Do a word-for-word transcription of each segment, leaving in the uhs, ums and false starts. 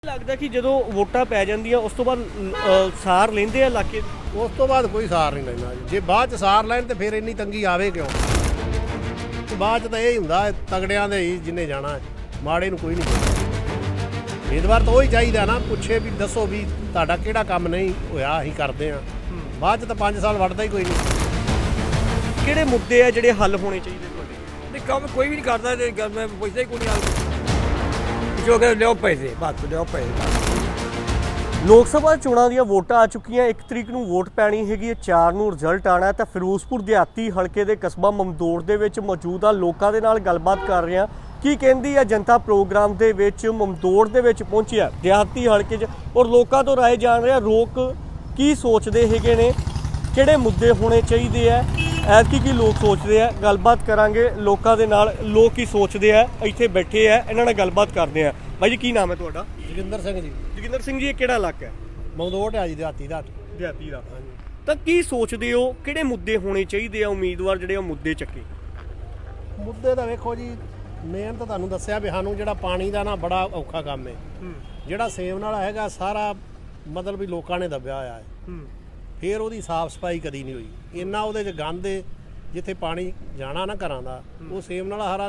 लगता कि जो वोटा पै जांदियां उस तो बाद सार लेंदे आ इलाके उस तो बाद कोई सार नहीं लेना जी। जे बाद च सार लैन तो फिर इन्नी तंगी आवे क्यों। बाद च तो यही हुंदा है तगड़ियां दे ही जिन्हें जाना है, माड़े नूं कोई नहीं पुछदा। उम्मीदवार तो वही चाहिए ना, पुछे भी दसो भी तुहाडा किहड़ा काम नहीं होया असीं करदे आ। बाद च तो पाँच साल वड़दा ही कोई नहीं। किहड़े मुद्दे आ जिहड़े हल होने चाहिए तुहाडे? नहीं काम कोई भी नहीं करता ते गल मैं पुछदा ही कोई नहीं। जो कि लियो पैसे बस लियो पैसे। ਲੋਕ ਸਭਾ ਚੋਣਾਂ ਦੀਆਂ ਵੋਟਾਂ ਆ ਚੁੱਕੀਆਂ। ਇੱਕ ਤਰੀਕ ਨੂੰ ਵੋਟ ਪੈਣੀ ਹੈਗੀ ਹੈ, ਚਾਰ ਨੂੰ ਰਿਜ਼ਲਟ ਆਣਾ ਤਾਂ ਫਿਰੋਜ਼ਪੁਰ ਦਿਹਾਤੀ ਹਲਕੇ ਦੇ ਕਸਬਾ ਮਮਦੋੜ ਦੇ ਵਿੱਚ ਮੌਜੂਦ ਆ ਲੋਕਾਂ ਦੇ ਨਾਲ ਗੱਲਬਾਤ ਕਰ ਰਹੇ ਹਾਂ। ਕੀ ਕਹਿੰਦੀ ਆ ਜਨਤਾ ਪ੍ਰੋਗਰਾਮ ਦੇ ਵਿੱਚ ਮਮਦੋੜ ਦੇ ਵਿੱਚ ਪਹੁੰਚਿਆ ਦਿਹਾਤੀ ਹਲਕੇ 'ਚ ਔਰ ਲੋਕਾਂ ਤੋਂ ਰਾਏ ਜਾਣ ਰਿਹਾ। ਲੋਕ ਕੀ ਸੋਚਦੇ ਹੈਗੇ ਨੇ, ਕਿਹੜੇ ਮੁੱਦੇ ਹੋਣੇ ਚਾਹੀਦੇ ਆ, ਐਤਕੀ ਕੀ ਲੋਕ ਸੋਚਦੇ ਆ। ਗੱਲਬਾਤ ਕਰਾਂਗੇ ਲੋਕਾਂ ਦੇ ਨਾਲ, ਲੋਕ ਕੀ ਸੋਚਦੇ ਆ। ਇੱਥੇ ਬੈਠੇ ਆ, ਇਹਨਾਂ ਨਾਲ ਗੱਲਬਾਤ ਕਰਦੇ ਆ। ਬਾਈ ਜੀ ਕੀ ਨਾਮ ਹੈ ਤੁਹਾਡਾ? ਜੋਗਿੰਦਰ ਸਿੰਘ ਜੀ। ਜੋਗਿੰਦਰ ਸਿੰਘ ਜੀ, ਇਹ ਕਿਹੜਾ ਇਲਾਕਾ ਹੈ? ਮਮਦੋੜ ਹੈ ਜੀ ਦਿਹਾਤੀ ਦਾ। ਦਿਹਾਤੀ ਦਾ ਤਾਂ ਕੀ ਸੋਚਦੇ ਹੋ, ਕਿਹੜੇ ਮੁੱਦੇ ਹੋਣੇ ਚਾਹੀਦੇ ਆ ਉਮੀਦਵਾਰ ਜਿਹੜੇ ਉਹ ਮੁੱਦੇ ਚੱਕੇ? ਮੁੱਦੇ ਤਾਂ ਵੇਖੋ ਜੀ, ਮੇਨ ਤਾਂ ਤੁਹਾਨੂੰ ਦੱਸਿਆ ਵੀ ਸਾਨੂੰ ਜਿਹੜਾ ਪਾਣੀ ਦਾ ਨਾ ਬੜਾ ਔਖਾ ਕੰਮ ਹੈ। ਜਿਹੜਾ ਸੇਮ ਨਾਲ ਹੈਗਾ ਸਾਰਾ ਮਤਲਬ ਵੀ ਲੋਕਾਂ ਨੇ ਦੱਬਿਆ ਹੋਇਆ ਹੈ। ਫਿਰ ਉਹਦੀ ਸਾਫ਼ ਸਫਾਈ ਕਦੀ ਨਹੀਂ ਹੋਈ। ਇੰਨਾ ਉਹਦੇ 'ਚ ਗੰਦ ਹੈ, ਜਿੱਥੇ ਪਾਣੀ ਜਾਣਾ ਨਾ ਘਰਾਂ ਦਾ ਉਹ ਸੇਮ ਨਾਲ ਹਰਾ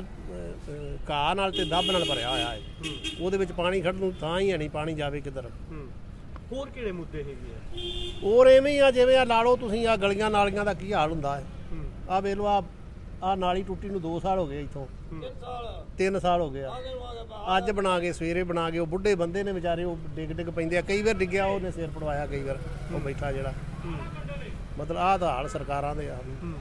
ਘਾਹ ਨਾਲ ਤੇ ਦੱਬ ਨਾਲ ਭਰਿਆ ਹੋਇਆ ਹੈ। ਉਹਦੇ ਵਿੱਚ ਪਾਣੀ ਖੜਨ ਨੂੰ ਤਾਂ ਹੀ ਹੈ ਨਹੀਂ, ਪਾਣੀ ਜਾਵੇ ਕਿੱਧਰ। ਹੋਰ ਕਿਹੜੇ ਮੁੱਦੇ ਹੈਗੇ ਆ? ਹੋਰ ਐਵੇਂ ਹੀ ਆ, ਜਿਵੇਂ ਆ ਲਾ ਲਓ ਤੁਸੀਂ ਆ ਗਲੀਆਂ ਨਾਲੀਆਂ ਦਾ ਕੀ ਹਾਲ ਹੁੰਦਾ ਹੈ। ਆ ਵੇਖ ਲਓ, ਆ ਆ ਨਾਲੀ ਟੁੱਟੀ ਨੂੰ ਦੋ ਸਾਲ ਹੋ ਗਏ, ਇੱਥੋਂ ਤਿੰਨ ਸਾਲ ਹੋ ਗਏ ਆ। ਅੱਜ ਬਣਾ ਕੇ ਸਵੇਰੇ ਬਣਾ ਕੇ ਉਹ ਬੁੱਢੇ ਬੰਦੇ ਨੇ ਵਿਚਾਰੇ ਉਹ ਡਿੱਗ ਡਿੱਗ ਪੈਂਦੇ ਆ। ਕਈ ਵਾਰ ਡਿੱਗਿਆ ਉਹਨੇ ਸਿਰ ਪੜਵਾਇਆ, ਕਈ ਵਾਰ ਉਹ ਬੈਠਾ ਜਿਹੜਾ। ਮਤਲਬ ਆਹ ਤਾਂ ਹਾਲ ਸਰਕਾਰਾਂ ਦੇ ਆ।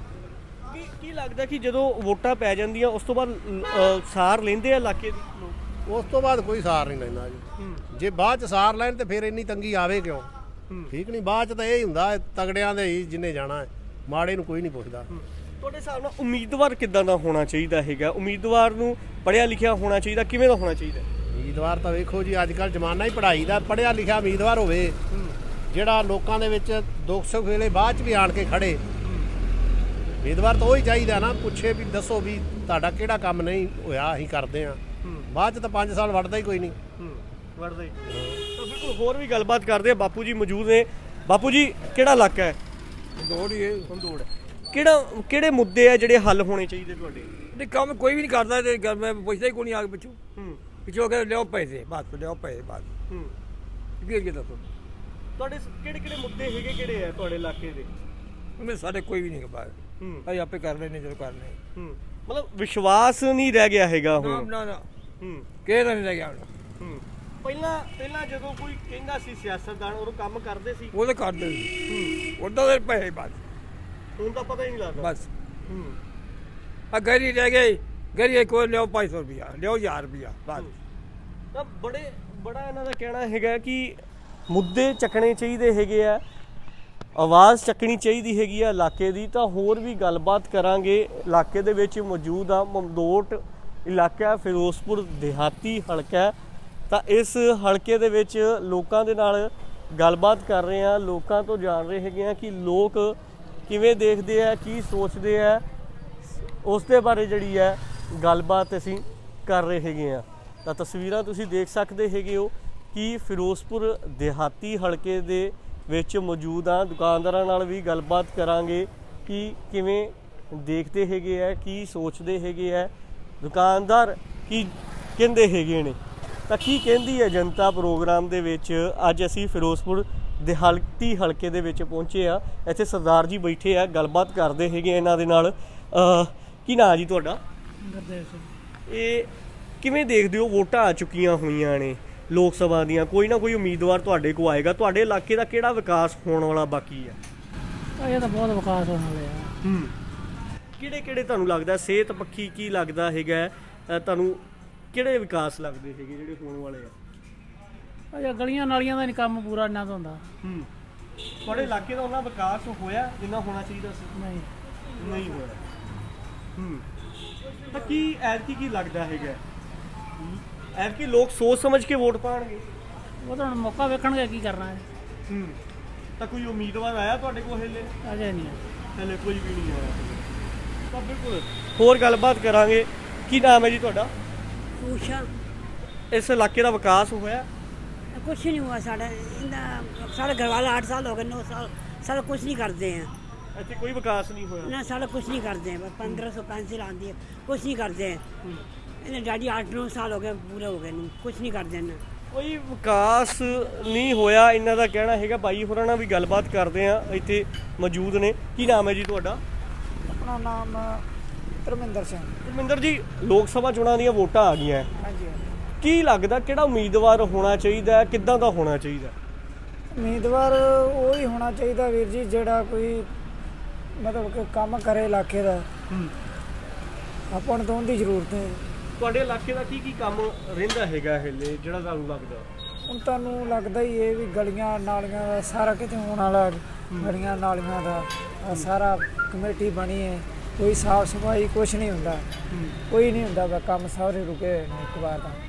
ਕੀ ਕੀ ਲੱਗਦਾ ਕਿ ਜਦੋਂ ਵੋਟਾਂ ਪੈ ਜਾਂਦੀਆਂ ਉਸ ਤੋਂ ਬਾਅਦ ਸਾਰ ਲੈਂਦੇ ਆ ਇਲਾਕੇ ਦੇ ਲੋਕ? ਉਸ ਤੋਂ ਬਾਅਦ ਕੋਈ ਸਾਰ ਨਹੀਂ ਲੈਂਦਾ ਜੀ। ਜੇ ਬਾਅਦ ਚ ਸਾਰ ਲੈਣ ਤੇ ਫਿਰ ਇੰਨੀ ਤੰਗੀ ਆਵੇ ਕਿਉਂ। ਠੀਕ ਨਹੀਂ, ਬਾਅਦ ਚ ਤਾਂ ਇਹ ਹੁੰਦਾ ਹੈ ਤਗੜਿਆਂ ਦੇ ਹੀ ਜਿੰਨੇ ਜਾਣਾ ਹੈ, ਮਾੜੇ ਨੂੰ ਕੋਈ ਨਹੀਂ ਪੁੱਛਦਾ। ਤੁਹਾਡੇ ਹਿਸਾਬ ਨਾਲ ਉਮੀਦਵਾਰ ਕਿੱਦਾਂ ਦਾ ਹੋਣਾ ਚਾਹੀਦਾ ਹੈਗਾ? ਉਮੀਦਵਾਰ ਨੂੰ ਪੜ੍ਹਿਆ ਲਿਖਿਆ ਹੋਣਾ ਚਾਹੀਦਾ, ਕਿਵੇਂ ਦਾ ਹੋਣਾ ਚਾਹੀਦਾ? ਉਮੀਦਵਾਰ ਤਾਂ ਵੇਖੋ ਜੀ, ਅੱਜ ਕੱਲ੍ਹ ਜ਼ਮਾਨਾ ਹੀ ਪੜ੍ਹਾਈ ਦਾ। ਪੜ੍ਹਿਆ ਲਿਖਿਆ ਉਮੀਦਵਾਰ ਹੋਵੇ ਜਿਹੜਾ ਲੋਕਾਂ ਦੇ ਵਿੱਚ ਦੁੱਖ ਸੁੱਖ ਵੇਲੇ ਬਾਅਦ ਚ ਵੀ ਆਣ ਕੇ ਖੜੇ। ਉਮੀਦਵਾਰ ਤਾਂ ਉਹੀ ਚਾਹੀਦਾ ਨਾ, ਪੁੱਛੇ ਵੀ ਦਸੋ ਵੀ ਤੁਹਾਡਾ ਕਿਹੜਾ ਕੰਮ ਨਹੀਂ ਹੋਇਆ ਅसीं ਕਰਦੇ ਆ। ਬਾਅਦ ਚ ਤਾਂ ਪੰਜ ਸਾਲ ਵੜਦਾ ਹੀ ਕੋਈ ਨਹੀਂ। ਵੜਦਾ ਹੀ ਤਾਂ ਬਿਲਕੁਲ। ਹੋਰ ਵੀ ਗੱਲਬਾਤ ਕਰਦੇ ਆ। ਬਾਪੂ ਜੀ ਮੌਜੂਦ ਨੇ। ਬਾਪੂ ਜੀ ਕਿਹੜਾ ਇਲਾਕਾ ਹੈ? ਦੌੜ ਹੀ ਹੈ ਮਮਦੋੜ। ਕਿਹੜਾ ਕਿਹੜੇ ਮੁੱਦੇ ਆ ਜਿਹੜੇ ਹੱਲ ਹੋਣੇ ਚਾਹੀਦੇ ਤੁਹਾਡੇ? ਨਹੀਂ ਕੰਮ ਕੋਈ ਵੀ ਨਹੀਂ ਕਰਦਾ ਤੇ ਗਲ ਮੈਂ ਪੁਛਦਾ ਹੀ ਕੋਈ ਨਹੀਂ। ਆ ਕੇ ਪਿੱਛੋਂ ਪਿੱਛੋਂ ਕਿ ਲਿਓ ਪੈਸੇ ਬਸ ਲਿਓ ਪੈਸੇ ਬਸ। ਕੀ ਅੱਗੇ ਦੱਸੋ ਤੁਹਾਡੇ ਕਿਹੜੇ ਕਿਹੜੇ ਮੁੱਦੇ ਹੈਗੇ, ਕਿਹੜੇ ਆ ਤੁਹਾਡੇ ਇਲਾਕੇ ਦੇ? ਮੈਂ ਸਾਡੇ ਕੋਈ ਵੀ ਨਹੀਂ ਬਾਹਰ। ਅਸੀਂ ਆਪੇ ਕਰ ਲੈਣੇ ਜਦੋਂ ਕਰਨੇ। ਮਤਲਬ ਵਿਸ਼ਵਾਸ ਨਹੀਂ ਰਹਿ ਗਿਆ ਹੈਗਾ ਨਾ ਹੁਣ? ਨਾ ਨਾ ਕਿਹੜਾ ਨਹੀਂ ਰਹਿ ਗਿਆ ਹੁਣ। ਪਹਿਲਾਂ ਪਹਿਲਾਂ ਜਦੋਂ ਕੋਈ ਕਹਿੰਦਾ ਸੀ ਸਿਆਸਤਦਾਨ ਉਹ ਕੰਮ ਕਰਦੇ ਸੀ, ਉਹ ਤਾਂ ਕਰਦੇ ਸੀ। ਉਹਦਾ ਦੇ ਪੈਸੇ ਬਸ। ਹੁਣ ਤਾਂ ਪਤਾ ਹੀ ਨਹੀਂ ਲੱਗਦਾ ਬਸ। ਆ ਗਰੀ ਰਹਿ ਗਈ, ਗਰੀ ਕੋਈ ਲਿਓ ਪੰਜ ਸੌ ਰੁਪਇਆ, ਲਿਓ ਹਜ਼ਾਰ ਰੁਪਇਆ ਬਸ। ਤਾਂ ਬੜੇ ਬੜਾ ਇਹਨਾਂ ਦਾ ਕਹਿਣਾ ਹੈਗਾ ਕਿ ਮੁੱਦੇ ਚੱਕਣੇ ਚਾਹੀਦੇ ਹੈਗੇ ਆ, ਆਵਾਜ਼ ਚੱਕਣੀ ਚਾਹੀਦੀ ਹੈਗੀ ਆ ਇਲਾਕੇ ਦੀ। ਤਾਂ ਹੋਰ ਵੀ ਗੱਲਬਾਤ ਕਰਾਂਗੇ। ਇਲਾਕੇ ਦੇ ਵਿੱਚ ਮੌਜੂਦ ਆ ਮਮਦੋੜ ਇਲਾਕਾ, ਫਿਰੋਜ਼ਪੁਰ ਦਿਹਾਤੀ ਹਲਕਾ। ਤਾਂ ਇਸ ਹਲਕੇ ਦੇ ਵਿੱਚ ਲੋਕਾਂ ਦੇ ਨਾਲ ਗੱਲਬਾਤ ਕਰ ਰਹੇ ਆ। ਲੋਕਾਂ ਤੋਂ ਜਾਣ ਰਹੇ ਹੈਗੇ ਆ ਕਿ ਲੋਕ ਕਿਵੇਂ ਦੇਖਦੇ ਆ, ਕੀ ਸੋਚਦੇ ਆ, ਉਸ ਦੇ ਬਾਰੇ ਜਿਹੜੀ ਹੈ ਗੱਲਬਾਤ ਅਸੀਂ ਕਰ ਰਹੇ ਹੈਗੇ ਆ। ਤਾਂ ਤਸਵੀਰਾਂ ਤੁਸੀਂ ਦੇਖ ਸਕਦੇ ਹੈਗੇ ਹੋ ਕਿ ਫਿਰੋਜ਼ਪੁਰ ਦਿਹਾਤੀ ਹਲਕੇ ਦੇ ਵਿੱਚ ਮੌਜੂਦ ਆ। ਦੁਕਾਨਦਾਰਾਂ ਨਾਲ ਵੀ ਗੱਲਬਾਤ ਕਰਾਂਗੇ ਕਿ ਕਿਵੇਂ ਦੇਖਦੇ ਹੈਗੇ ਆ, ਕੀ ਸੋਚਦੇ ਹੈਗੇ ਆ, ਦੁਕਾਨਦਾਰ ਕੀ ਕਹਿੰਦੇ ਹੈਗੇ ਨੇ। ਤਾਂ ਕੀ ਕਹਿੰਦੀ ਹੈ ਜਨਤਾ ਪ੍ਰੋਗਰਾਮ ਦੇ ਵਿੱਚ ਅੱਜ ਅਸੀਂ ਫਿਰੋਜ਼ਪੁਰ ਦਿਹਾਤੀ ਹਲਕੇ ਦੇ ਵਿੱਚ ਪਹੁੰਚੇ ਆ। ਇੱਥੇ ਸਰਦਾਰ ਜੀ ਬੈਠੇ ਆ, ਗੱਲਬਾਤ ਕਰਦੇ ਹੈਗੇ ਇਹਨਾਂ ਦੇ ਨਾਲ। ਕੀ ਨਾਂ ਜੀ ਤੁਹਾਡਾ? ਗੁਰਦੇਵ ਸਿੰਘ। ਇਹ ਕਿਵੇਂ ਦੇਖਦੇ ਹੋ, ਵੋਟਾਂ ਆ ਚੁੱਕੀਆਂ ਹੋਈਆਂ ਨੇ ਲੋਕ ਸਭਾ ਦੀਆਂ, ਕੋਈ ਨਾ ਕੋਈ ਉਮੀਦਵਾਰ ਤੁਹਾਡੇ ਕੋਲ ਆਏਗਾ, ਤੁਹਾਡੇ ਇਲਾਕੇ ਦਾ ਕਿਹੜਾ ਵਿਕਾਸ ਹੋਣ ਵਾਲਾ ਬਾਕੀ ਹੈ? ਇਹ ਤਾਂ ਬਹੁਤ ਵਿਕਾਸ ਹੋਣ ਵਾਲੇ ਆ। ਹੂੰ ਕਿਹੜੇ ਕਿਹੜੇ ਤੁਹਾਨੂੰ ਲੱਗਦਾ, ਸਿਹਤ ਪੱਖੀ ਕੀ ਲੱਗਦਾ ਹੈਗਾ ਤੁਹਾਨੂੰ, ਕਿਹੜੇ ਵਿਕਾਸ ਲੱਗਦੇ ਹੈਗੇ ਜਿਹੜੇ ਹੋਣ ਵਾਲੇ ਆ? ਅਜਾ ਗਲੀਆਂ ਨਾਲੀਆਂ ਦਾ ਨਹੀਂ ਕੰਮ ਪੂਰਾ ਇੰਨਾ ਤਾਂ ਹੁੰਦਾ। ਹੂੰ ਤੁਹਾਡੇ ਇਲਾਕੇ ਦਾ ਉਹਨਾਂ ਵਿਕਾਸ ਹੋਇਆ ਜਿੰਨਾ ਹੋਣਾ ਚਾਹੀਦਾ ਸੀ? ਨਹੀਂ ਨਹੀਂ ਹੋਇਆ। ਹੂੰ ਤਾਂ ਕੀ ਐਤਕੀ ਕੀ ਲੱਗਦਾ ਹੈਗਾ, ਐਤਕੀ ਲੋਕ ਸੋਚ ਸਮਝ ਕੇ ਵੋਟ ਪਾਣਗੇ? ਉਹ ਤਾਂ ਹੁਣ ਮੌਕਾ ਵੇਖਣਗੇ ਕੀ ਕਰਨਾ ਹੈ। ਹੂੰ ਤਾਂ ਕੋਈ ਉਮੀਦਵਾਰ ਆਇਆ ਤੁਹਾਡੇ ਕੋਲ ਹਲੇ? ਅਜੇ ਨਹੀਂ ਹੈ। ਹਲੇ ਕੋਈ ਵੀ ਨਹੀਂ ਆਇਆ। ਤਾਂ ਬਿਲਕੁਲ ਹੋਰ ਗੱਲਬਾਤ ਕਰਾਂਗੇ। ਕੀ ਨਾਮ ਹੈ ਜੀ ਤੁਹਾਡਾ? ਊਸ਼ਾ। ਇਸ ਇਲਾਕੇ ਦਾ ਵਿਕਾਸ ਹੋਇਆ? कुछ नहीं हुआ साढ़े साढ़े घर वाले आठ साल हो गए, नौ साल सारा कुछ नहीं करते हैं ਇੱਥੇ ਕੋਈ ਵਿਕਾਸ ਨਹੀਂ ਹੋਇਆ। ना, सारा कुछ नहीं करते हैं। पंद्रह सौ पेंसिल आती है, कुछ नहीं करते हैं। इन्हें डैडी आठ नौ साल हो गए, पूरे हो गए, कुछ नहीं करते हैं। ਕੋਈ ਵਿਕਾਸ ਨਹੀਂ ਹੋਇਆ ਇਹਨਾਂ ਦਾ ਕਹਿਣਾ ਹੈਗਾ। ਬਾਈ ਹੋਰਾਂ ਨਾਲ ਵੀ ਗੱਲਬਾਤ ਕਰਦੇ ਆ, ਇੱਥੇ ਮੌਜੂਦ ਨੇ। ਕੀ ਨਾਮ ਹੈ ਜੀ ਤੁਹਾਡਾ? ਆਪਣਾ ਨਾਮ ਧਰਮਿੰਦਰ ਸਿੰਘ। ਧਰਮਿੰਦਰ ਜੀ, ਲੋਕ ਸਭਾ ਚੋਣਾਂ ਦੀਆਂ ਵੋਟਾਂ ਆ ਗਈਆਂ, ਹਾਂਜੀ, ਕੀ ਲੱਗਦਾ ਕਿਹੜਾ ਉਮੀਦਵਾਰ ਹੋਣਾ ਚਾਹੀਦਾ ਹੈ, ਕਿੱਦਾਂ ਦਾ ਹੋਣਾ ਚਾਹੀਦਾ? ਉਮੀਦਵਾਰ ਉਹ ਹੀ ਹੋਣਾ ਚਾਹੀਦਾ ਵੀਰ ਜੀ ਜਿਹੜਾ ਕੋਈ ਮਤਲਬ ਕਿ ਕੰਮ ਕਰੇ ਇਲਾਕੇ ਦਾ। ਆਪਾਂ ਨੂੰ ਤਾਂ ਉਹਦੀ ਜ਼ਰੂਰਤ ਹੈ। ਤੁਹਾਡੇ ਇਲਾਕੇ ਦਾ ਕੀ ਕੀ ਕੰਮ ਰਹਿੰਦਾ ਹੈਗਾ ਹਲੇ ਜਿਹੜਾ ਤੁਹਾਨੂੰ ਲੱਗਦਾ? ਹੁਣ ਤੁਹਾਨੂੰ ਲੱਗਦਾ ਹੀ ਇਹ ਵੀ ਗਲੀਆਂ ਨਾਲੀਆਂ ਦਾ ਸਾਰਾ ਕਿਤੇ ਹੋਣ ਵਾਲਾ, ਗਲੀਆਂ ਨਾਲੀਆਂ ਦਾ ਆਹ ਸਾਰਾ ਕਮੇਟੀ ਬਣੀ ਹੈ, ਕੋਈ ਸਾਫ ਸਫਾਈ ਕੁਛ ਨਹੀਂ ਹੁੰਦਾ, ਕੋਈ ਨਹੀਂ ਹੁੰਦਾ ਵਾ, ਕੰਮ ਸਾਰੇ ਰੁਕੇ ਹੋਏ ਨੇ ਇੱਕ ਵਾਰ ਤਾਂ।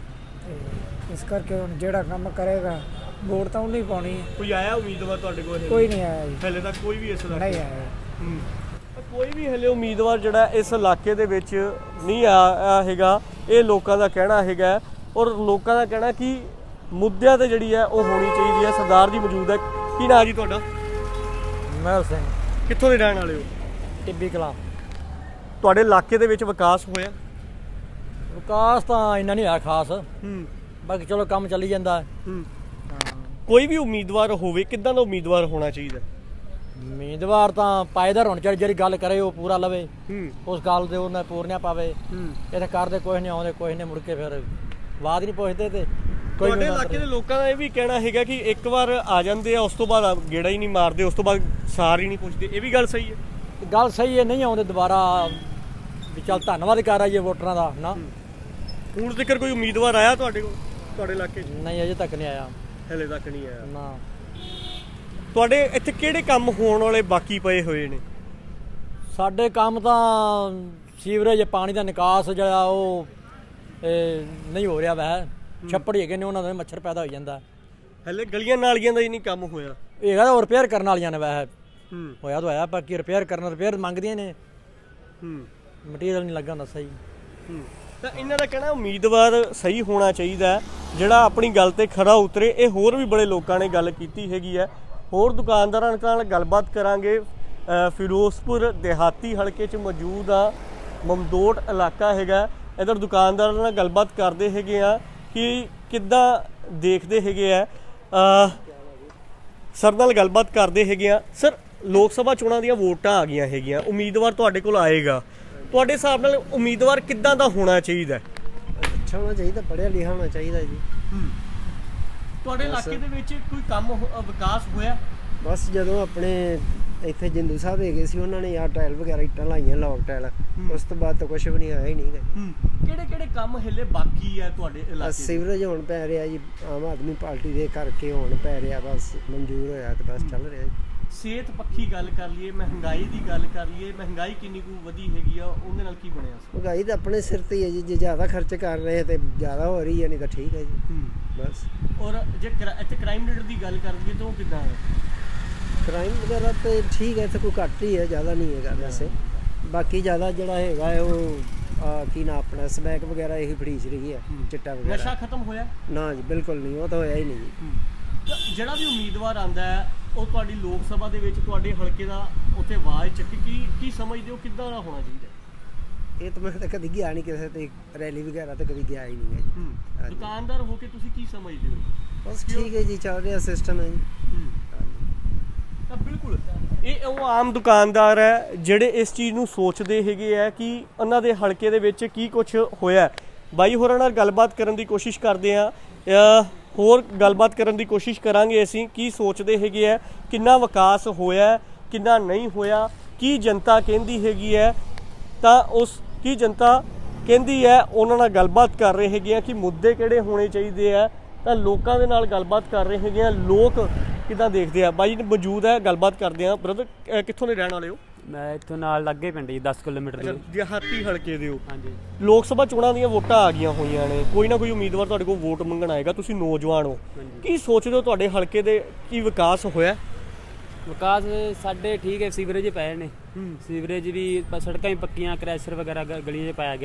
ਤੇ ਇਸ ਕਰਕੇ ਹੁਣ ਜਿਹੜਾ ਕੰਮ ਕਰੇਗਾ ਵੋਟ ਤਾਂ ਉਹਨੂੰ ਹੀ ਪਾਉਣੀ ਹੈ। ਕੋਈ ਆਇਆ ਉਮੀਦਵਾਰ ਤੁਹਾਡੇ ਕੋਲ? ਕੋਈ ਨਹੀਂ ਆਇਆ ਜੀ, ਹਲੇ ਤੱਕ ਕੋਈ ਵੀ ਇਸ ਇਲਾਕੇ ਨਹੀਂ ਆਇਆ। ਹੂੰ। ਕੋਈ ਵੀ ਹਲੇ ਉਮੀਦਵਾਰ ਜਿਹੜਾ ਇਸ ਇਲਾਕੇ ਦੇ ਵਿੱਚ ਨਹੀਂ ਆਇਆ ਹੈਗਾ, ਇਹ ਲੋਕਾਂ ਦਾ ਕਹਿਣਾ ਹੈਗਾ। ਔਰ ਲੋਕਾਂ ਦਾ ਕਹਿਣਾ ਕਿ ਮੁੱਦਿਆਂ ਤੇ ਜਿਹੜੀ ਹੈ ਉਹ ਹੋਣੀ ਚਾਹੀਦੀ ਹੈ। ਸਰਦਾਰ ਜੀ ਮੌਜੂਦ ਹੈ। ਕੀ ਨਾਂ ਜੀ ਤੁਹਾਡਾ? ਮਹਿਲ ਸਿੰਘ, ਕਿੱਥੋਂ ਦੇ ਰਹਿਣ ਵਾਲੇ ਹੋ? ਟਿੱਬੀ ਕਲਾਂ। ਤੁਹਾਡੇ ਇਲਾਕੇ ਦੇ ਵਿੱਚ ਵਿਕਾਸ ਹੋਇਆ? ਵਿਕਾਸ ਤਾਂ ਇੰਨਾ ਨਹੀਂ ਹੋਇਆ ਖਾਸ, ਹੂੰ ਬਾਕੀ ਚਲੋ ਕੰਮ ਚੱਲੀ ਜਾਂਦਾ। ਹੂੰ। ਕੋਈ ਵੀ ਉਮੀਦਵਾਰ ਹੋਵੇ, ਕਿੱਦਾਂ ਦਾ ਉਮੀਦਵਾਰ ਹੋਣਾ ਚਾਹੀਦਾ? ਉਮੀਦਵਾਰ ਤਾਂ ਪਾਇਦਾਰ ਹੋਣਾ ਚਾਹੀਦਾ, ਜਿਹੜੀ ਗੱਲ ਕਰੇ ਉਹ ਪੂਰਾ ਲਵੇ, ਹੂੰ ਉਸ ਗੱਲ ਦੇ ਉਹਨੇ ਪੂਰਨਿਆ ਪਾਵੇ। ਹੂੰ। ਇੱਥੇ ਕਰਦੇ ਕੁਛ ਨਹੀਂ, ਆਉਂਦੇ ਕੁਛ ਨਹੀਂ, ਮੁੜ ਕੇ ਫਿਰ ਬਾਅਦ ਨਹੀਂ ਪੁੱਛਦੇ। ਤੇ ਕੋਈ ਤੁਹਾਡੇ ਇਲਾਕੇ ਦੇ ਲੋਕਾਂ ਦਾ ਇਹ ਵੀ ਕਹਿਣਾ ਹੈਗਾ ਕਿ ਇੱਕ ਵਾਰ ਆ ਜਾਂਦੇ ਆ, ਉਸ ਤੋਂ ਬਾਅਦ ਗੇੜਾ ਹੀ ਨਹੀਂ ਮਾਰਦੇ, ਉਸ ਤੋਂ ਬਾਅਦ ਸਾਰ ਹੀ ਨਹੀਂ ਪੁੱਛਦੇ। ਇਹ ਵੀ ਗੱਲ ਸਹੀ ਹੈ? ਗੱਲ ਸਹੀ ਹੈ, ਨਹੀਂ ਆਉਂਦੇ ਦੁਬਾਰਾ ਵੀ ਚੱਲ ਧੰਨਵਾਦ ਕਰ ਆਈਏ ਵੋਟਰਾਂ ਦਾ ਨਾ। ਹੁਣ ਤੱਕ ਕੋਈ ਉਮੀਦਵਾਰ ਆਇਆ ਤੁਹਾਡੇ ਕੋਲ, ਤੁਹਾਡੇ ਇਲਾਕੇ 'ਚ? ਨਹੀਂ, ਅਜੇ ਤੱਕ ਨਹੀਂ ਆਇਆ ਹਲੇ ਤੱਕ ਨਹੀਂ ਆਇਆ ਨਾ। ਤੁਹਾਡੇ ਇੱਥੇ ਕਿਹੜੇ ਕੰਮ ਹੋਣ ਵਾਲੇ ਬਾਕੀ ਪਏ ਹੋਏ ਨੇ? ਸਾਡੇ ਕੰਮ ਤਾਂ ਸੀਵਰੇਜ, ਪਾਣੀ ਦਾ ਨਿਕਾਸ ਜਿਹੜਾ ਉਹ ਇਹ ਨਹੀਂ ਹੋ ਰਿਹਾ ਵੈ। ਛੱਪੜ ਹੈਗੇ ਨੇ, ਉਹਨਾਂ ਦਾ ਮੱਛਰ ਪੈਦਾ ਹੋ ਜਾਂਦਾ। ਹਲੇ ਗਲੀਆਂ ਨਾਲੀਆਂ ਦਾ ਹੀ ਨਹੀਂ ਕੰਮ ਹੋਇਆ? ਹੈਗਾ ਉਹ ਰਿਪੇਅਰ ਕਰਨ ਵਾਲੀਆਂ ਨੇ ਵੈਸੇ। ਹੂੰ। ਹੋਇਆ ਤਾਂ ਹੋਇਆ, ਬਾਕੀ ਰਿਪੇਅਰ ਕਰਨ ਰਿਪੇਅਰ ਮੰਗਦੀਆਂ ਨੇ, ਹੂੰ। ਮਟੀਰੀਅਲ ਨਹੀਂ ਲੱਗਾ ਹੁੰਦਾ ਸਹੀ। ਹੂੰ। ਤਾਂ ਇਹਨਾਂ ਦਾ ਕਹਿਣਾ ਉਮੀਦਵਾਰ ਸਹੀ ਹੋਣਾ ਚਾਹੀਦਾ, ਜਿਹੜਾ ਆਪਣੀ ਗੱਲ ਤੇ ਖਰਾ ਉਤਰੇ। ਇਹ ਹੋਰ ਵੀ ਬੜੇ ਲੋਕਾਂ ਨੇ ਗੱਲ ਕੀਤੀ ਹੈਗੀ ਹੈ। ਹੋਰ ਦੁਕਾਨਦਾਰਾਂ ਨਾਲ ਗੱਲਬਾਤ ਕਰਾਂਗੇ। ਫਿਰੋਜ਼ਪੁਰ ਦਿਹਾਤੀ ਹਲਕੇ 'ਚ ਮੌਜੂਦ ਆ, ਮਮਦੋਟ ਇਲਾਕਾ ਹੈਗਾ। ਇੱਧਰ ਦੁਕਾਨਦਾਰਾਂ ਨਾਲ ਗੱਲਬਾਤ ਕਰਦੇ ਹੈਗੇ ਆ ਕਿ ਕਿੱਦਾਂ ਦੇਖਦੇ ਹੈਗੇ ਆ। ਸਰ ਨਾਲ ਗੱਲਬਾਤ ਕਰਦੇ ਹੈਗੇ ਆ। ਸਰ, ਲੋਕ ਸਭਾ ਚੋਣਾਂ ਦੀਆਂ ਵੋਟਾਂ ਆ ਗਈਆਂ ਹੈਗੀਆਂ, ਉਮੀਦਵਾਰ ਤੁਹਾਡੇ ਕੋਲ ਆਏਗਾ। ਤੁਹਾਡੇ ਹਿਸਾਬ ਨਾਲ ਉਮੀਦਵਾਰ ਕਿੱਦਾਂ ਦਾ ਹੋਣਾ ਚਾਹੀਦਾ? ਅੱਛਾ ਹੋਣਾ ਚਾਹੀਦਾ, ਪੜ੍ਹਿਆ ਲਿਖਿਆ ਹੋਣਾ ਚਾਹੀਦਾ ਜੀ। ਤੁਹਾਡੇ ਇਲਾਕੇ ਦੇ ਵਿੱਚ ਕੋਈ ਕੰਮ ਵਿਕਾਸ ਹੋਇਆ? ਬਸ ਜਦੋਂ ਆਪਣੇ ਇੱਥੇ ਜਿੰਦੂ ਸਾਹਿਬ ਹੈਗੇ ਸੀ, ਉਹਨਾਂ ਨੇ ਯਾਰ ਟਾਇਲ ਵਗੈਰਾ ਇੱਟਾਂ ਲਾਈਆਂ, ਲੌਕ ਟਾਇਲ। ਉਸ ਤੋਂ ਬਾਅਦ ਤਾਂ ਕੁਝ ਵੀ ਨਹੀਂ ਆਇਆ ਹੀ ਨਹੀਂ ਗਾ। ਕਿਹੜੇ ਕਿਹੜੇ ਕੰਮ ਹਲੇ ਬਾਕੀ ਹੈ ਤੁਹਾਡੇ ਇਲਾਕੇ? ਸੀਵਰੇਜ ਹੁਣ ਪੈ ਰਿਹਾ ਜੀ, ਆਮ ਆਦਮੀ ਪਾਰਟੀ ਦੇ ਕਰਕੇ ਹੁਣ ਪੈ ਰਿਹਾ, ਬਸ ਮਨਜ਼ੂਰ ਹੋਇਆ ਤੇ ਬਸ ਚੱਲ ਰਿਹਾ ਜੀ। ਸਿਹਤ ਪੱਖੀ ਗੱਲ ਕਰ ਲਈਏ, ਮਹਿੰਗਾਈ ਦੀ ਗੱਲ ਕਰ ਲਈਏ, ਮਹਿੰਗਾਈ ਕਿੰਨੀ ਕੁ ਵਧੀ ਹੈਗੀ ਆ, ਉਹਦੇ ਨਾਲ ਕੀ ਬਣਿਆ? ਮਹਿੰਗਾਈ ਤਾਂ ਆਪਣੇ ਸਿਰ ਤੇ ਹੀ ਹੈ ਜੀ, ਜੇ ਜ਼ਿਆਦਾ ਖਰਚ ਕਰ ਰਹੇ ਤੇ ਜ਼ਿਆਦਾ ਹੋ ਰਹੀ ਹੈ, ਨਹੀਂ ਤਾਂ ਠੀਕ ਹੈ ਜੀ ਬਸ। ਔਰ ਜੇ ਇੱਥੇ ਕ੍ਰਾਈਮ ਰੇਟ ਦੀ ਗੱਲ ਕਰ ਲਈਏ ਤਾਂ ਉਹ ਕਿੱਦਾਂ ਹੈ? ਕ੍ਰਾਈਮ ਵਗੈਰਾ ਤੇ ਠੀਕ ਹੈ, ਇੱਥੇ ਕੋਈ ਘੱਟ ਹੀ ਹੈ, ਜ਼ਿਆਦਾ ਨਹੀਂ ਹੈਗਾ ਵੈਸੇ। ਬਾਕੀ ਜ਼ਿਆਦਾ ਜਿਹੜਾ ਹੈਗਾ ਹੈ ਉਹ ਆ ਕੀ ਨਾ ਆਪਣਾ ਸਮੈਕ ਵਗੈਰਾ ਇਹੀ ਫੜੀਚ ਰਹੀ ਹੈ, ਚਿੱਟਾ ਵਗੈਰਾ। ਨਸ਼ਾ ਖਤਮ ਹੋਇਆ? ਨਾ ਜੀ, ਬਿਲਕੁਲ ਨਹੀਂ, ਉਹ ਤਾਂ ਹੋਇਆ ਹੀ ਨਹੀਂ ਜੀ। ਜਿਹੜਾ ਵੀ ਉਮੀਦਵਾਰ ਆਂਦਾ ਹੈ ਉਹ ਤੁਹਾਡੀ ਲੋਕ ਸਭਾ ਦੇ ਵਿੱਚ ਤੁਹਾਡੇ ਹਲਕੇ ਦਾ ਉੱਥੇ ਆਵਾਜ਼ ਚੱਕੀ, ਕੀ ਕੀ ਸਮਝਦੇ ਹੋ ਕਿੱਦਾਂ ਦਾ ਹੋਣਾ ਚਾਹੀਦਾ? ਇਹ ਤਾਂ ਮੈਂ ਤਾਂ ਕਦੀ ਗਿਆ ਨਹੀਂ ਕਿਸੇ ਤੇ ਰੈਲੀ ਵਗੈਰਾ ਤੇ ਕਦੀ ਗਿਆ ਹੀ ਨਹੀਂ ਹੈ ਜੀ। ਦੁਕਾਨਦਾਰ ਹੋ ਕੇ ਤੁਸੀਂ ਕੀ ਸਮਝਦੇ ਹੋ? ਬਸ ਠੀਕ ਹੈ ਜੀ, ਚੱਲ ਰਿਹਾ ਸਿਸਟਮ ਹੈ ਜੀ। ਤਾਂ ਬਿਲਕੁਲ ਇਹ ਉਹ ਆਮ ਦੁਕਾਨਦਾਰ ਹੈ ਜਿਹੜੇ ਇਸ ਚੀਜ਼ ਨੂੰ ਸੋਚਦੇ ਹੈਗੇ ਆ ਕਿ ਉਹਨਾਂ ਦੇ ਹਲਕੇ ਦੇ ਵਿੱਚ ਕੀ ਕੁਝ ਹੋਇਆ। ਬਾਈ ਹੋਰਾਂ ਨਾਲ ਗੱਲਬਾਤ ਕਰਨ ਦੀ ਕੋਸ਼ਿਸ਼ ਕਰਦੇ ਆ, ਹੋਰ ਗੱਲਬਾਤ ਕਰਨ ਦੀ ਕੋਸ਼ਿਸ਼ ਕਰਾਂਗੇ ਅਸੀਂ ਕੀ ਸੋਚਦੇ ਹੈਗੇ ਆ, ਕਿੰਨਾ ਵਿਕਾਸ ਹੋਇਆ, ਕਿੰਨਾ ਨਹੀਂ ਹੋਇਆ, ਕੀ ਜਨਤਾ ਕਹਿੰਦੀ ਹੈਗੀ ਹੈ। ਤਾਂ ਉਸ ਕੀ ਜਨਤਾ ਕਹਿੰਦੀ ਹੈ ਉਹਨਾਂ ਨਾਲ ਗੱਲਬਾਤ ਕਰ ਰਹੇ ਹੈਗੇ ਆ ਕਿ ਮੁੱਦੇ ਕਿਹੜੇ ਹੋਣੇ ਚਾਹੀਦੇ ਆ। ਤਾਂ ਲੋਕਾਂ ਦੇ ਨਾਲ ਗੱਲਬਾਤ ਕਰ ਰਹੇ ਹੈਗੇ ਆ, ਲੋਕ ਕਿੱਦਾਂ ਦੇਖਦੇ ਆ। ਬਾਈ ਮੌਜੂਦ ਹੈ, ਗੱਲਬਾਤ ਕਰਦੇ ਆ। ਬ੍ਰਦਰ, ਕਿੱਥੋਂ ਦੇ ਰਹਿਣ ਵਾਲੇ ਹੋ? ਮੈਂ ਇੱਥੋਂ ਨਾਲ ਲੱਗੇ ਪਿੰਡ ਜੀ, ਦਸ ਕਿਲੋਮੀਟਰ ਦੇ। ਦਿਹਾਤੀ ਹਲਕੇ ਦੇ ਹੋ? ਹਾਂਜੀ। ਲੋਕ ਸਭਾ ਚੋਣਾਂ ਦੀਆਂ ਵੋਟਾਂ ਆ ਗਈਆਂ ਹੋਈਆਂ ਨੇ, ਕੋਈ ਨਾ ਕੋਈ ਉਮੀਦਵਾਰ ਤੁਹਾਡੇ ਕੋਲ ਵੋਟ ਮੰਗਣ ਆਏਗਾ, ਤੁਸੀਂ ਨੌਜਵਾਨ ਹੋ, ਕੀ ਸੋਚਦੇ ਹੋ ਤੁਹਾਡੇ ਹਲਕੇ ਦੇ ਕੀ ਵਿਕਾਸ ਹੋਇਆ? ਵਿਕਾਸ ਸਾਡੇ ਠੀਕ ਹੈ, ਸੀਵਰੇਜ ਪਏ ਨੇ, ਸੀਵਰੇਜ ਵੀ, ਸੜਕਾਂ ਵੀ ਪੱਕੀਆਂ, ਕ੍ਰੈਸ਼ਰ ਵਗੈਰਾ ਗਲੀਆਂ 'ਚ ਪਾਇਆ ਗਿਆ।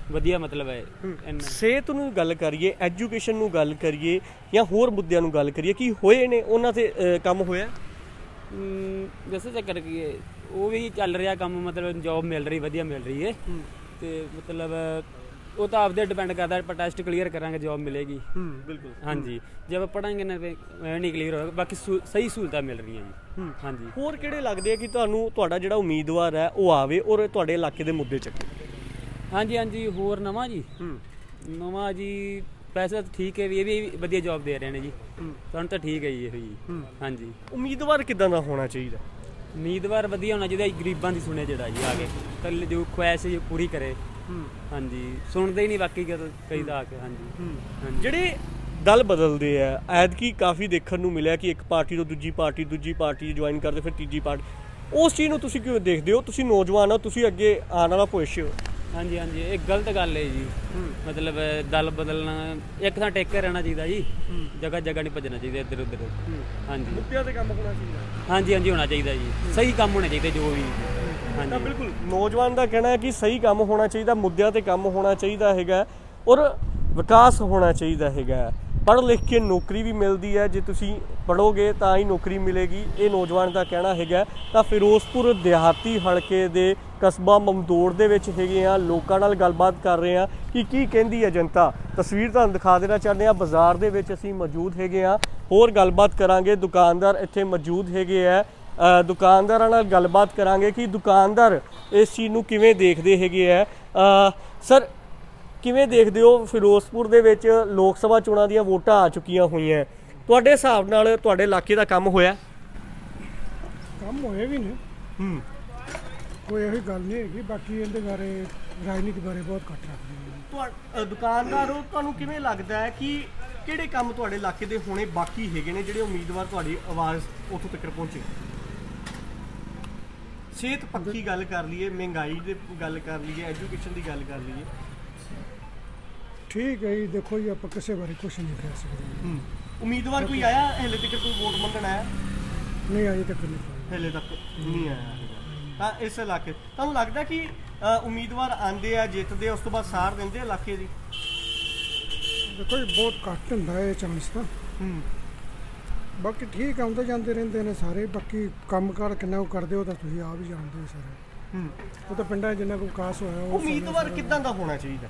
ਵਧੀਆ ਮਤਲਬ ਹੈ ਇੰਨਾ ਸਿਹਤ ਨੂੰ ਗੱਲ ਕਰੀਏ, ਐਜੂਕੇਸ਼ਨ ਨੂੰ ਗੱਲ ਕਰੀਏ ਜਾਂ ਹੋਰ ਮੁੱਦਿਆਂ ਨੂੰ ਗੱਲ ਕਰੀਏ, ਕੀ ਹੋਏ ਨੇ ਉਹਨਾਂ ਤੇ ਅ, ਕੰਮ ਹੋਇਆ? ਹਮ, ਦੱਸੋ ਚੱਕਰ ਕੀ ਹੈ, ਉਹ ਵੀ ਚੱਲ ਰਿਹਾ ਕੰਮ, ਮਤਲਬ ਜੋਬ ਮਿਲ ਰਹੀ, ਵਧੀਆ ਮਿਲ ਰਹੀ ਹੈ ਤੇ ਮਤਲਬ ਉਹ ਤਾਂ ਆਪਦੇ ਡਿਪੈਂਡ ਕਰਦਾ, ਆਪਾਂ ਟੈਸਟ ਕਲੀਅਰ ਕਰਾਂਗੇ ਜੋਬ ਮਿਲੇਗੀ। ਬਿਲਕੁਲ। ਹਾਂਜੀ, ਜੇ ਆਪਾਂ ਪੜਾਂਗੇ ਨਾ ਨਹੀਂ ਕਲੀਅਰ ਹੋਏਗਾ, ਬਾਕੀ ਸਹੀ ਸਹੂਲਤਾਂ ਮਿਲ ਰਹੀਆਂ ਜੀ। ਹਾਂਜੀ, ਹੋਰ ਕਿਹੜੇ ਲੱਗਦੇ ਆ ਕਿ ਤੁਹਾਨੂੰ ਤੁਹਾਡਾ ਜਿਹੜਾ ਉਮੀਦਵਾਰ ਹੈ ਉਹ ਆਵੇ ਔਰ ਤੁਹਾਡੇ ਇਲਾਕੇ ਦੇ ਮੁੱਦੇ ਚੱਕੇ? ਹਾਂਜੀ ਹਾਂਜੀ ਹੋਰ ਨਵਾਂ ਜੀ, ਨਵਾਂ ਜੀ ਪੈਸਾ ਤਾਂ ਠੀਕ ਹੈ ਵੀ, ਇਹ ਵੀ ਵਧੀਆ ਜੋਬ ਦੇ ਰਹੇ ਨੇ ਜੀ, ਤੁਹਾਨੂੰ ਤਾਂ ਠੀਕ ਹੈ ਜੀ ਇਹ ਜੀ। ਹਾਂਜੀ, ਉਮੀਦਵਾਰ ਕਿੱਦਾਂ ਦਾ ਹੋਣਾ ਚਾਹੀਦਾ? ਉਮੀਦਵਾਰ ਵਧੀਆ ਹੋਣਾ ਚਾਹੀਦਾ, ਗਰੀਬਾਂ ਦੀ ਸੁਣੇ ਜਿਹੜਾ ਜੀ ਆ ਕੇ, ਕੱਲ ਜੋ ਖੁਆਇਸ਼ ਜੀ ਪੂਰੀ ਕਰੇ। ਹਾਂਜੀ, ਸੁਣਦੇ ਹੀ ਨਹੀਂ ਬਾਕੀ ਕਈ ਦਾ ਆ ਕੇ। ਹਾਂਜੀ ਹਾਂਜੀ, ਜਿਹੜੇ ਦਲ ਬਦਲਦੇ ਆ, ਐਤਕੀ ਕਾਫੀ ਦੇਖਣ ਨੂੰ ਮਿਲਿਆ ਕਿ ਇੱਕ ਪਾਰਟੀ ਤੋਂ ਦੂਜੀ ਪਾਰਟੀ, ਦੂਜੀ ਪਾਰਟੀ ਜੁਆਇਨ ਕਰਦੇ ਫਿਰ ਤੀਜੀ ਪਾਰਟੀ, ਉਸ ਚੀਜ਼ ਨੂੰ ਤੁਸੀਂ ਕਿਉਂ ਦੇਖਦੇ ਹੋ? ਤੁਸੀਂ ਨੌਜਵਾਨ ਹੋ, ਤੁਸੀਂ ਅੱਗੇ ਆਉਣ ਵਾਲਾ ਭਵਿੱਖ ਹੋ। ਹਾਂਜੀ ਹਾਂਜੀ, ਇਹ ਗਲਤ ਗੱਲ ਹੈ ਜੀ, ਮਤਲਬ ਦਲ ਬਦਲਣਾ, ਇੱਕ ਥਾਂ ਟੇਕ ਕੇ ਰਹਿਣਾ ਚਾਹੀਦਾ ਜੀ, ਜਗ੍ਹਾ ਜਗ੍ਹਾ ਨਹੀਂ ਭੱਜਣਾ ਚਾਹੀਦਾ ਇੱਧਰ ਉੱਧਰ। ਹਾਂਜੀ, ਮੁੱਦਿਆਂ ਤੇ ਕੰਮ ਹੋਣਾ ਚਾਹੀਦਾ। ਹਾਂਜੀ ਹਾਂਜੀ ਹੋਣਾ ਚਾਹੀਦਾ ਜੀ, ਸਹੀ ਕੰਮ ਹੋਣੇ ਚਾਹੀਦੇ ਜੋ ਵੀ। ਤਾਂ ਬਿਲਕੁਲ ਨੌਜਵਾਨ ਦਾ ਕਹਿਣਾ ਹੈ ਕਿ ਸਹੀ ਕੰਮ ਹੋਣਾ ਚਾਹੀਦਾ, ਮੁੱਦਿਆਂ ਤੇ ਕੰਮ ਹੋਣਾ ਚਾਹੀਦਾ ਹੈਗਾ ਔਰ ਵਿਕਾਸ ਹੋਣਾ ਚਾਹੀਦਾ ਹੈਗਾ। ਪੜ੍ਹ ਲਿਖ ਕੇ ਨੌਕਰੀ ਵੀ ਮਿਲਦੀ ਹੈ, ਜੇ ਤੁਸੀਂ ਪੜ੍ਹੋਗੇ ਤਾਂ ਹੀ ਨੌਕਰੀ ਮਿਲੇਗੀ, ਇਹ ਨੌਜਵਾਨ ਦਾ ਕਹਿਣਾ ਹੈਗਾ। ਤਾਂ ਫਿਰੋਜ਼ਪੁਰ ਦਿਹਾਤੀ ਹਲਕੇ ਦੇ ਕਸਬਾ ਮਮਦੋੜ ਦੇ ਵਿੱਚ ਹੈਗੇ ਆ, ਲੋਕਾਂ ਨਾਲ ਗੱਲਬਾਤ ਕਰ ਰਹੇ ਆ ਕਿ ਕੀ ਕਹਿੰਦੀ ਹੈ ਜਨਤਾ। ਤਸਵੀਰ ਤੁਹਾਨੂੰ ਦਿਖਾ ਦੇਣਾ ਚਾਹੁੰਦੇ ਆ, ਬਾਜ਼ਾਰ ਦੇ ਵਿੱਚ ਅਸੀਂ ਮੌਜੂਦ ਹੈਗੇ ਆ, ਹੋਰ ਗੱਲਬਾਤ ਕਰਾਂਗੇ। ਦੁਕਾਨਦਾਰ ਇੱਥੇ ਮੌਜੂਦ ਹੈਗੇ ਆ, ਦੁਕਾਨਦਾਰਾਂ ਨਾਲ ਗੱਲਬਾਤ ਕਰਾਂਗੇ ਕਿ ਦੁਕਾਨਦਾਰ ਇਸ ਚੀਜ਼ ਨੂੰ ਕਿਵੇਂ ਦੇਖਦੇ ਹੈਗੇ ਆ। ਸਰ, ਕਿਵੇਂ ਦੇਖਦੇ ਹੋ ਫਿਰੋਜ਼ਪੁਰ ਦੇ ਵਿੱਚ ਲੋਕ ਸਭਾ ਚੋਣਾਂ ਦੀਆਂ ਵੋਟਾਂ ਆ ਚੁੱਕੀਆਂ ਹੋਈਆਂ, ਤੁਹਾਡੇ ਹਿਸਾਬ ਨਾਲ ਤੁਹਾਡੇ ਇਲਾਕੇ ਦਾ ਕੰਮ ਹੋਇਆ? ਕੰਮ ਹੋਏ ਵੀ ਨੇ, ਹੂੰ, ਕੋਈ ਇਹੋ ਗੱਲ ਨਹੀਂ ਹੈਗੀ, ਬਾਕੀ ਇਹਦੇ ਬਾਰੇ ਰਾਜਨੀਤੀ ਬਾਰੇ ਬਹੁਤ ਘੱਟ ਰੱਖਦੇ ਨੇ। ਤੁਹਾ ਦੁਕਾਨਦਾਰ ਹੋ, ਤੁਹਾਨੂੰ ਕਿਵੇਂ ਲੱਗਦਾ ਹੈ ਕਿ ਕਿਹੜੇ ਕੰਮ ਤੁਹਾਡੇ ਇਲਾਕੇ ਦੇ ਹੋਣੇ ਬਾਕੀ ਹੈਗੇ ਨੇ ਜਿਹੜੇ ਉਮੀਦਵਾਰ ਤੁਹਾਡੀ ਆਵਾਜ਼ ਉੱਥੋਂ ਤੱਕ ਪਹੁੰਚੇ? ਸਿਹਤ ਪੱਖੀ ਗੱਲ ਕਰ ਲਈਏ, ਮਹਿੰਗਾਈ ਦੀ ਗੱਲ ਕਰ ਲਈਏ, ਐਜੂਕੇਸ਼ਨ ਦੀ ਗੱਲ ਕਰ ਲਈਏ। ਠੀਕ ਹੈ ਜੀ, ਦੇਖੋ ਜੀ ਆਪਾਂ ਕਿਸੇ ਬਾਰੇ ਕੁਝ ਨਹੀਂ ਕਹਿ ਸਕਦੇ। ਉਮੀਦਵਾਰ ਕੋਈ ਆਇਆ ਹਲੇ ਤੱਕ, ਕੋਈ ਵੋਟ ਮੰਗਣ ਆਇਆ? ਨਹੀਂ, ਅਜੇ ਤੱਕ ਨਹੀਂ, ਹਲੇ ਤੱਕ ਨਹੀਂ ਆਇਆ। ਤਾਂ ਇਸ ਇਲਾਕੇ ਤੁਹਾਨੂੰ ਲੱਗਦਾ ਕਿ ਉਮੀਦਵਾਰ ਆਉਂਦੇ ਆ, ਜਿੱਤਦੇ ਆ, ਉਸ ਤੋਂ ਬਾਅਦ ਸਾਰ ਦਿੰਦੇ ਆ ਇਲਾਕੇ ਦੀ? ਦੇਖੋ ਜੀ ਬਹੁਤ ਘੱਟ ਹੁੰਦਾ ਇਹ ਚਾਂਸ ਤਾਂ, ਬਾਕੀ ਠੀਕ ਆਉਂਦੇ ਜਾਂਦੇ ਰਹਿੰਦੇ ਨੇ ਸਾਰੇ। ਬਾਕੀ ਕੰਮ ਕਾਰ ਕਿੰਨਾ ਕੁ ਕਰਦੇ ਹੋ ਤਾਂ ਤੁਸੀਂ ਆਪ ਹੀ ਜਾਣਦੇ ਹੋ ਸਾਰੇ। ਉਹ ਤਾਂ ਪਿੰਡਾਂ 'ਚ ਜਿੰਨਾ ਕੁ ਵਿਕਾਸ ਹੋਇਆ। ਉਮੀਦਵਾਰ ਕਿੱਦਾਂ ਦਾ ਹੋਣਾ ਚਾਹੀਦਾ?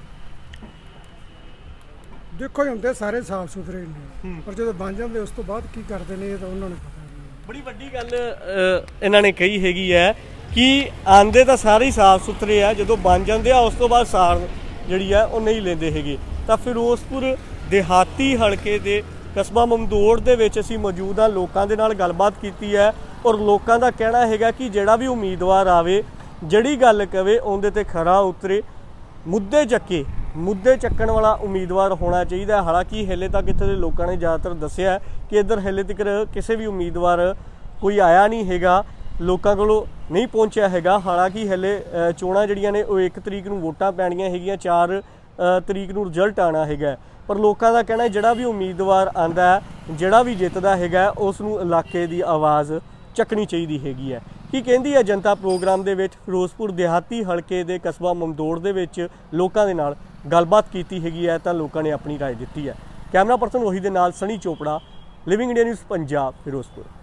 ਦੇਖੋ ਜੀ ਹੁੰਦੇ ਸਾਰੇ ਸਾਫ ਸੁਥਰੇ ਨੇ, ਪਰ ਜਦੋਂ ਬਣ ਜਾਂਦੇ ਉਸ ਤੋਂ ਬਾਅਦ ਕੀ ਕਰਦੇ ਨੇ ਇਹ ਤਾਂ ਉਹਨਾਂ ਨੂੰ ਪਤਾ। ਬੜੀ ਵੱਡੀ ਗੱਲ ਇਹਨਾਂ ਨੇ ਕਹੀ ਹੈਗੀ ਹੈ ਕਿ ਆਂਦੇ ਤਾਂ ਸਾਰੇ ਹੀ ਸਾਫ ਸੁਥਰੇ ਆ, ਜਦੋਂ ਬਣ ਜਾਂਦੇ ਆ ਉਸ ਤੋਂ ਬਾਅਦ ਸਾਰ ਜਿਹੜੀ ਆ ਉਹ ਨਹੀਂ ਲੈਂਦੇ ਹੈਗੇ। ਤਾਂ ਫਿਰੋਜ਼ਪੁਰ ਦਿਹਾਤੀ ਹਲਕੇ ਦੇ ਕਸਬਾ ਮਮਦੋੜ ਦੇ ਵਿੱਚ ਅਸੀਂ ਮੌਜੂਦ ਹਾਂ, ਲੋਕਾਂ ਦੇ ਨਾਲ ਗੱਲਬਾਤ ਕੀਤੀ ਹੈ ਔਰ ਲੋਕਾਂ ਦਾ ਕਹਿਣਾ ਹੈਗਾ ਕਿ ਜਿਹੜਾ ਵੀ ਉਮੀਦਵਾਰ ਆਵੇ, ਜਿਹੜੀ ਗੱਲ ਕਵੇ ਉਹਦੇ ਤੇ ਖਰਾ ਉਤਰੇ, ਮੁੱਦੇ ਚੱਕੇ, ਮੁੱਦੇ ਚੱਕਣ ਵਾਲਾ ਉਮੀਦਵਾਰ ਹੋਣਾ ਚਾਹੀਦਾ। ਹਾਲਾਂਕਿ ਹਲੇ ਤੱਕ ਇੱਥੇ ਦੇ ਲੋਕਾਂ ਨੇ ਜ਼ਿਆਦਾਤਰ ਦੱਸਿਆ ਕਿ ਇੱਧਰ ਹਲੇ ਤੱਕ ਕਿਸੇ ਵੀ ਉਮੀਦਵਾਰ ਕੋਈ ਆਇਆ ਨਹੀਂ ਹੈਗਾ, ਲੋਕਾਂ ਕੋਲੋਂ ਨਹੀਂ ਪਹੁੰਚਿਆ ਹੈਗਾ। ਹਾਲਾਂਕਿ ਹਲੇ ਚੋਣਾਂ ਜਿਹੜੀਆਂ ਨੇ ਉਹ ਇੱਕ ਤਰੀਕ ਨੂੰ ਵੋਟਾਂ ਪੈਣੀਆਂ ਹੈਗੀਆਂ, ਚਾਰ ਤਰੀਕ ਨੂੰ ਰਿਜ਼ਲਟ ਆਉਣਾ ਹੈਗਾ, ਪਰ ਲੋਕਾਂ ਦਾ ਕਹਿਣਾ ਜਿਹੜਾ ਵੀ ਉਮੀਦਵਾਰ ਆਉਂਦਾ, ਜਿਹੜਾ ਵੀ ਜਿੱਤਦਾ ਹੈਗਾ, ਉਸ ਨੂੰ ਇਲਾਕੇ ਦੀ ਆਵਾਜ਼ ਚੱਕਣੀ ਚਾਹੀਦੀ ਹੈਗੀ ਹੈ। ਕੀ ਕਹਿੰਦੀ ਹੈ ਜਨਤਾ ਪ੍ਰੋਗਰਾਮ ਦੇ ਵਿੱਚ? ਫਿਰੋਜ਼ਪੁਰ ਦਿਹਾਤੀ ਹਲਕੇ ਦੇ ਕਸਬਾ ਮਮਦੋੜ ਦੇ ਵਿੱਚ ਲੋਕਾਂ ਦੇ ਨਾਲ ਗੱਲਬਾਤ ਕੀਤੀ ਹੈਗੀ ਹੈ ਤਾਂ ਲੋਕਾਂ ਨੇ ਆਪਣੀ ਰਾਏ ਦਿੱਤੀ ਹੈ। ਕੈਮਰਾ ਪਰਸਨ ਉਹੀ ਦੇ ਨਾਲ Sunny Chopra, Living India News Punjab, Firozpur.